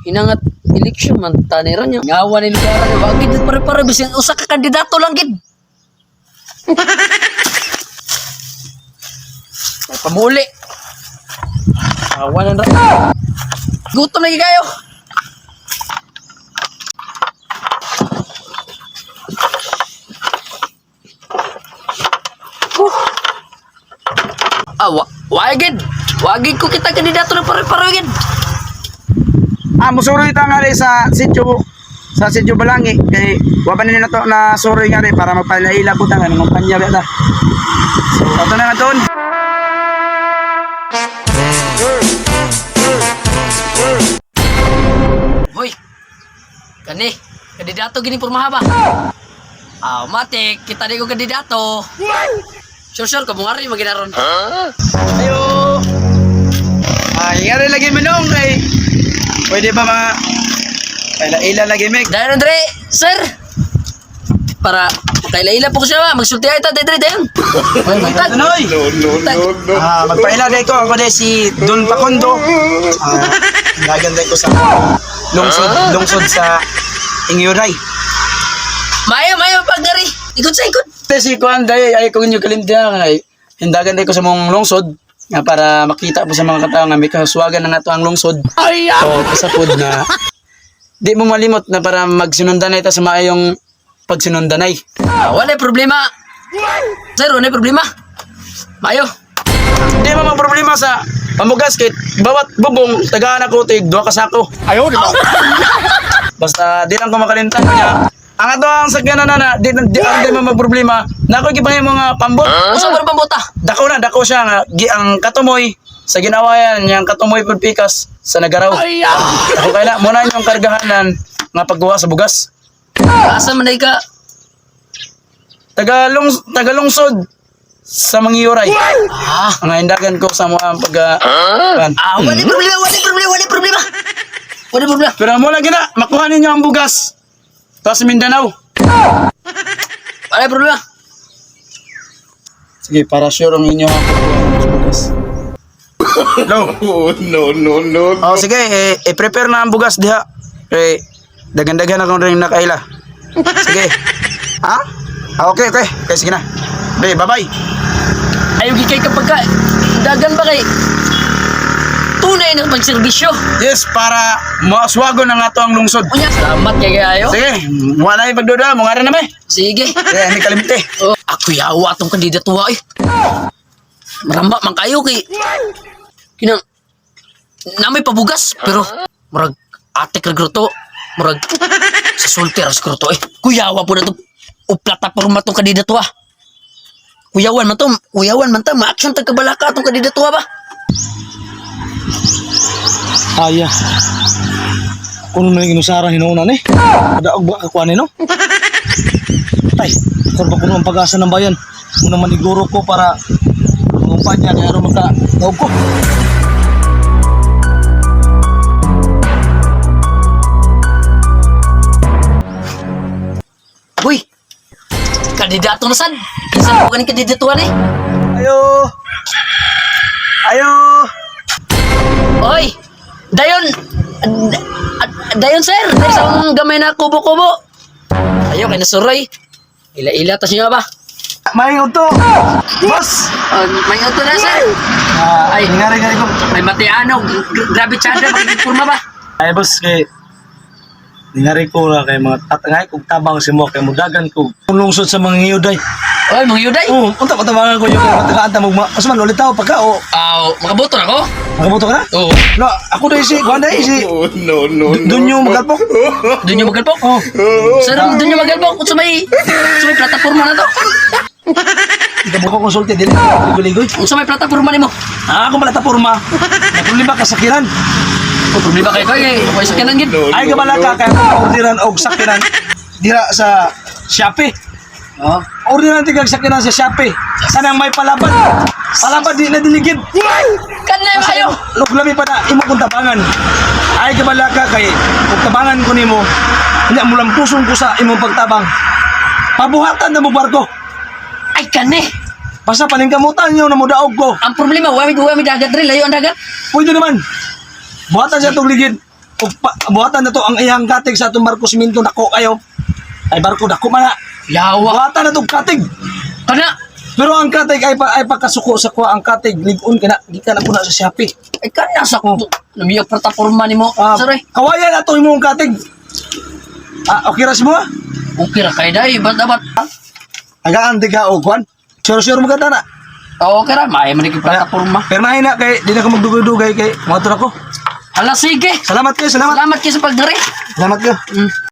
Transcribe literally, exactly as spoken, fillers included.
Inangat eleksyon man tanira niya. Ngawa ni lugar niya. Wag gid pare-pare bisin usa ka kandidato lang gid. Ay, pamuli. Awan na ra. Gutom lagi kayo. Uh. Ah, wa wagid. Wagid ko kita kandidato na pare-pare gid. Ah, musuroy ta nga rin sa sityo sa sityo Balangi kay wa pa nila to na suroy nga rin para magpalaila po ta nga ng kumpanya ba ta. So ato na nga doon. Hoy. Kani, kandidato gini pormaha ba? Ah, matik, kita di ko kandidato. Sure sure ka mungari maginaron. Ayo. Ay, nga rin lagi minong kay pwede ba ma ila-ila lagi mek. Dayon Andre, sir. Para kaila-ila po ko siya ba? Magsulti ay ta Andre dayon. Magtag. Anoy? No, no, no, no. Ah, magpaila day ko ako day si Don Pacondo. Ah, naganda ko sa lungsod, lungsod sa Ingyuray. Mayo, mayo pagari. Ikot sa ikot. Te si Kuan day ay ko inyo kalimtihan ay hindagan day ko sa mong lungsod nga para makita po sa mga katao nga may kaswagan na nato ang lungsod. Ay, So, kasapod na di mo malimot na para magsinundanay ta sa maayong pagsinundanay. ah, wala problema. Sir, wala problema. Mayo. Di mo mga problema sa pamugas kit bawat bubong tagaan ako tig duha ka sako. Ayaw, di ba? Basta di lang ko makalimtan niya. Ang ato ang sakyanan na na di, di, ang di mo magproblema na ako gipangay mga pambot. Usa ba pambuta? Dako na dako siya nga gi, ang katumoy sa ginawayan yang katumoy pud pikas sa nagaraw. Ay, ah. Ako kaya muna yung kargahanan nga paggawa sa bugas. Asa man day ka? Tagalong tagalungsod sa Mangyuray. Ah, Ang hindagan ko sa mga pag uh, ah, wala problema, wala problema, wala problema. Wala problema. Pero mula gina makuha ninyo ang bugas. Tapos Mindanao. Wala problema. Sige, para sure ang inyo ang pagkuha ng bugas. No. Oh, no, no, no. Oh, sige, eh, i-prepare na ang bugas diha. Eh, dagan-dagan ako rin nakaila. Sige. Ha? Ah, okay, okay. Okay, sige na. Okay, bye-bye. Ayaw gikay kapag ka, dagan ba kay tunay na pagserbisyo. Yes, para maaswago na nga to ang lungsod. Unya, salamat kay kayo. Sige, wala na yung pagduda. Mungara na may. Sige. Sige, hindi kalimite. Oh, ako yawa tong kandidato ay. Maramba man kayo kay kinang namay pabugas pero murag atik ra gruto, murag sa sulti ra gruto eh. Kuyawa po na to. O plataporma tong kandidato ah. Kuyawan man to, kuyawan man ta, ma-action tag kabalaka tong kandidato ba? Aya. Kuno na inusara hinuunan eh. Kadaog ba kakuha ni no? Tay, korba kuno ang pag-asa ng bayan. Muna maniguro ko para mangumpanya kaya aron maka daog ko. Uy. Kandidato na sad. Isa ko kaning kandidatuan eh. Ayo. Ayo. Oy. Dayon. d- ad- Dayon sir, dayon sa akong gamay na kubo-kubo. Ayo kay nasuroy. Ila-ila tas niyo ba? May uto. Boss. Uh, may auto na sir. Ah, ay, ngari-ngari ko. May matianog. G- Grabe tsada magpurma ba? Ay boss kay Ningari ko na kay mga tatangay kog tabang si mo kay mudagan ko. Lungsod sa mga ngiyuday. Oy, mga yuday. Oh, unta patabangan ko yung matagaan ta mo. Asuman ulit tao pagka o Aw, makaboto na ko. magabuto ka na? Oo. No, ako dai si kuan dai si Oh, no, no, no. Doon yung magalpok. Doon yung magalpok. Oh. Sir, doon yung magalpok. Sa may, sa may plataforma na to. Ikaw mo ko konsulti dili. Ligoy-ligoy. Sa may plataforma ni mo. Ah, ako plataporma. Na problema kasakiran. O, problema kayo kayo. Huwag sa kanan gid. No, Ay no, gamala ka no. kaya orderan og sakiran dira sa Shopee. Oh. Orderan tigag sakiran sa Shopee. Sanang may palaban. Palaban di na diligid. Kanay Kasi kayo. luglami pa na imo kung tabangan. Ay gamala ka kay kung tabangan ko nimo. Nya mo lang pusong ko sa imong pagtabang. Pabuhatan na mo barko. Ay, kanay. Basta paningkamutan nyo na mo daog ko. Ang problema, wami wami dagat rin. Layo ang dagat. Pwede naman. Buhatan siya itong ligid. ug pa, buhatan na to ang iyang katig sa atong barko siminto nako kayo. Ay barko dako man na. Yawa. Buhatan na tong katig. Kana. Pero ang katig ay pa, ay pagkasuko sa kuha ang katig ligon kana gikan ako na sa Shopee. Ay kana sa ko. Namiyag plataporma nimo. Ah, Sir, eh. kawayan ato imong katig. Ah, okay ra mo? Okay ra kay day, bat dapat. Agaan di ka og kwan. Sure-sure mo ganda na. Oo, okay ra, may man ki plataporma. Permahin na kay di na ka magdugay-dugay kay motor ako. Hala sige. Salamat kayo, salamat. Salamat kayo sa pagdiri. Salamat kayo. Mm.